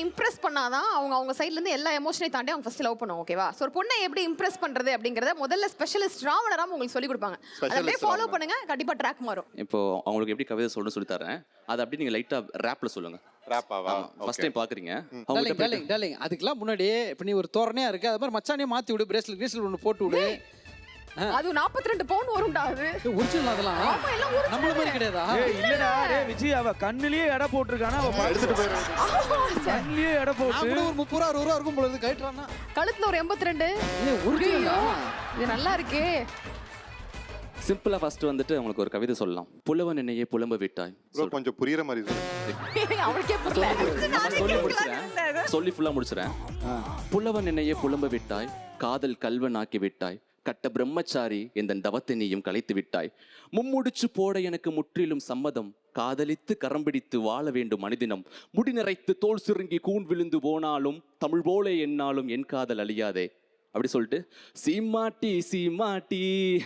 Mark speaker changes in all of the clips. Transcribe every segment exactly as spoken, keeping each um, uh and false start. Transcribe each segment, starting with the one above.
Speaker 1: Impress பண்ணாதான் அவங்க அவங்க சைடுல இருந்து எல்லா எமோஷனையும் தாண்டி அவங்க ஃபர்ஸ்ட் லவ் பண்ணுவாங்க. ஓகேவா? சோ ஒரு பொண்ணை எப்படி இம்ப்ரெஸ் பண்றது அப்படிங்கறத முதல்ல ஸ்பெஷலிஸ்ட் ராவணராம் உங்களுக்கு சொல்லி கொடுப்பாங்க. அதை அப்படியே ஃபாலோ பண்ணுங்க, கண்டிப்பா ட்ராக் மாறும்.
Speaker 2: இப்போ அவங்களுக்கு எப்படி கவிதை சொல்லணும்னு சொல்லி தரேன். அதை அப்படி நீங்க லைட்டா ரேப்ல சொல்லுங்க.
Speaker 3: ராப்பாவா?
Speaker 2: ஃபர்ஸ்ட் டைம் பாக்குறீங்க.
Speaker 4: டார்லிங் டார்லிங் டார்லிங் அதுக்கெல்லாம் முன்னாடி இப்போ நீ ஒரு தோரணையா இருக்கு, அது மாதிரி மச்சானே மாத்தி விடு, பிரேஸ்லெட் பிரேஸ்லெட் ஒன்று போட்டு விடு.
Speaker 1: அது நாற்பத்தி ரெண்டு பவுன் வரும்டா. அது
Speaker 4: ஒரிஜினல் அதெல்லாம்
Speaker 1: ஆமா, எல்லாம் original.
Speaker 4: நம்மள மாதிரி கிடையாதா?
Speaker 5: ஏய் இல்லடா, டேய் விஜய் அவ கண்ணிலேயே எடை போட்டுருக்கானா, அவ எடுத்துட்டு போயிரு. கண்ணிலேயே எடை
Speaker 4: நான்
Speaker 5: போட்டு
Speaker 4: கூட ஒரு முப்பது ரூபா அறுபது ரூபா இருக்கும் போல இருந்து கைட்றானா.
Speaker 1: கழுத்துல ஒரு எண்பத்தி ரெண்டு.
Speaker 4: ஏய் ஒரிஜினலா?
Speaker 1: இது நல்லா இருக்கே.
Speaker 2: சிம்பிளா ஃபர்ஸ்ட் வந்துட்டு உங்களுக்கு ஒரு கவிதை சொல்லலாம். புலவன் என்னையே புலம்ப விட்டாய்.
Speaker 3: ப்ரோ கொஞ்சம் புரியுற மாதிரி சொல்லு.
Speaker 1: அவளுக்கே புரியல.
Speaker 2: சொல்லி முடிச்சுறேன். சொல்லி ஃபுல்லா முடிச்சுறேன். புலவன் என்னையே புலம்ப விட்டாய், காதல் கல்வன் ஆக்கி விட்டாய், கட்ட பிரம்மச்சாரி எந்த தவத்தை நீயும் கலைத்து விட்டாய், மும்முடிச்சு போட எனக்கு முற்றிலும் சம்மதம், காதலித்து கரம் பிடித்து வாழ வேண்டும் மனிதினம், முடி நிறைத்து தோல் சுருங்கி கூன் விழுந்து போனாலும் தமிழ் போலே என்னாலும் என் காதல் அழியாதே. அப்படி சொல்லிட்டு சீமாட்டி சீமாட்டி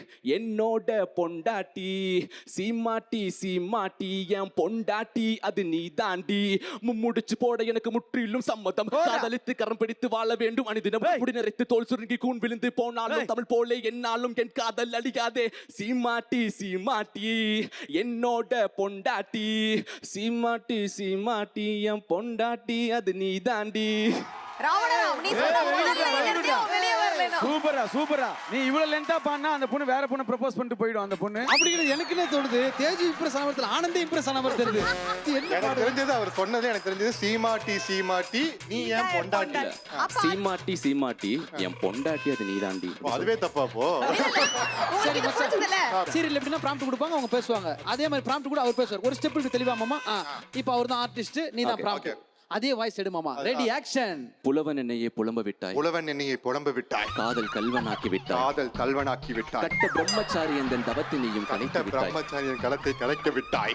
Speaker 2: என்னோட பொண்டாட்டி, சீமாட்டி சீமாட்டி என் பொண்டாட்டி அது நீ தாண்டி, மும்முடிச்சு போட எனக்கு முற்றிலும் சம்மதம், காதலித்து கரம் பிடித்து வாழ வேண்டும் அனுதினம், முடி நிறைத்து தோல் சுருங்கி கூன் விழுந்து போனாலும் தமிழ் போலே என்னாலும் என் காதல் அழியாதே. சீமாட்டி சீமாட்டி என்னோட பொண்டாட்டி, சீமாட்டி சீமாட்டி என் பொண்டாட்டி அது நீ தாண்டி.
Speaker 1: ராவணராம், நீ சொன்ன முதல்ல என்னத்தையோ வெளியே வரலனா.
Speaker 5: சூப்பரா சூப்பரா. நீ இவ்வளவு லென்த்தா பாடுனா அந்த பொண்ணு வேற பொண்ணு ப்ரப்போஸ் பண்ணிட்டு போய்டும். அந்த பொண்ணு
Speaker 4: அப்படிங்கிறது எனக்கு என்ன தோணுது, தேஜு இம்ப்ரெஸ் ஆன மாதிரி ஆனந்தே இம்ப்ரெஸ் ஆன மாதிரி தெரியுது.
Speaker 3: எனக்கு தெரிஞ்சது அவர் சொன்னதே எனக்கு தெரிஞ்சது சீமாட்டி சீமாட்டி நீ ஏன் பொண்டாட்டி.
Speaker 2: சீமாட்டி சீமாட்டி என் பொண்டாட்டி அது நீ தாண்டி.
Speaker 3: அதுவே தப்பா போ.
Speaker 1: உங்களுக்கு இது புரிஞ்சதுல?
Speaker 4: சீரியல் எப்படின்னா ப்ராம்ப்ட் கொடுப்பாங்க, அவங்க பேசுவாங்க. அதே மாதிரி ப்ராம்ப்ட் கூட அவர் பேசுவார். ஒரு ஸ்டெப் தெளிவா மாமா, இப்போ அவர் தான் ஆர்டிஸ்ட், நீ தான் ப்ராம்ப்ட். அதே வாய்ஸ் எடு மாமா. Ready action.
Speaker 2: புலவன் என்னையே புலம்ப விட்டாய்,
Speaker 3: புலவன் என்னையை புலம்ப விட்டாய்,
Speaker 2: காதல் கல்வனாக்கி விட்டாய்,
Speaker 3: காதல் கல்வனாக்கி விட்டாய்,
Speaker 2: கட்ட பிரம்மச்சாரி என்ற தவத்தை நீயும் கலைத்து
Speaker 3: கட்ட
Speaker 2: விட்டாய்,
Speaker 3: பிரம்மச்சாரியின் களத்தை கலைக்க விட்டாய்.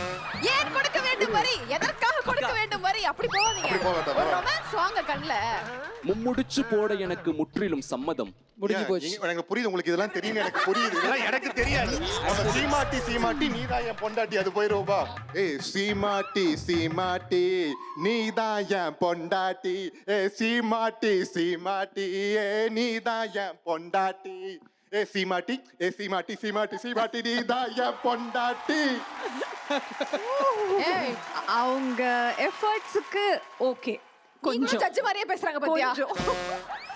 Speaker 1: ஏன் கொடுக்க வேண்டும் வரி? எதற்காக கொடுக்க வேண்டும் வரி? அப்படி போவாதீங்க. ஒரு ரொமான்ஸ் வாங்க கண்ணல.
Speaker 2: மும்முடிச்சு போட எனக்கு முற்றிலும் சம்மதம்.
Speaker 4: முடிஞ்சு போச்சு.
Speaker 3: எனக்கு புரியுது, உங்களுக்கு இதெல்லாம் தெரியும், எனக்கு புரியுது. இதெல்லாம் எனக்கு தெரியாது. நம்ம சீமாட்டி சீமாட்டி நீதான் என் பொண்டாட்டி அது போயிருவா. ஏய் சீமாட்டி சீமாட்டி நீதான் என் பொண்டாட்டி, ஏ சீமாட்டி சீமாட்டி ஏ நீதான் என் பொண்டாட்டி, ஏ சீமாட்டி ஏ சீமாட்டி சீமாட்டி சீமாட்டி நீதான் என் பொண்டாட்டி.
Speaker 6: ஏய் அவங்க எஃபர்ட்ஸ்க்கு ஓகே,
Speaker 1: கொஞ்சம் ஜட்ஜ் மாதிரியே பேசுறாங்க பாத்தியா?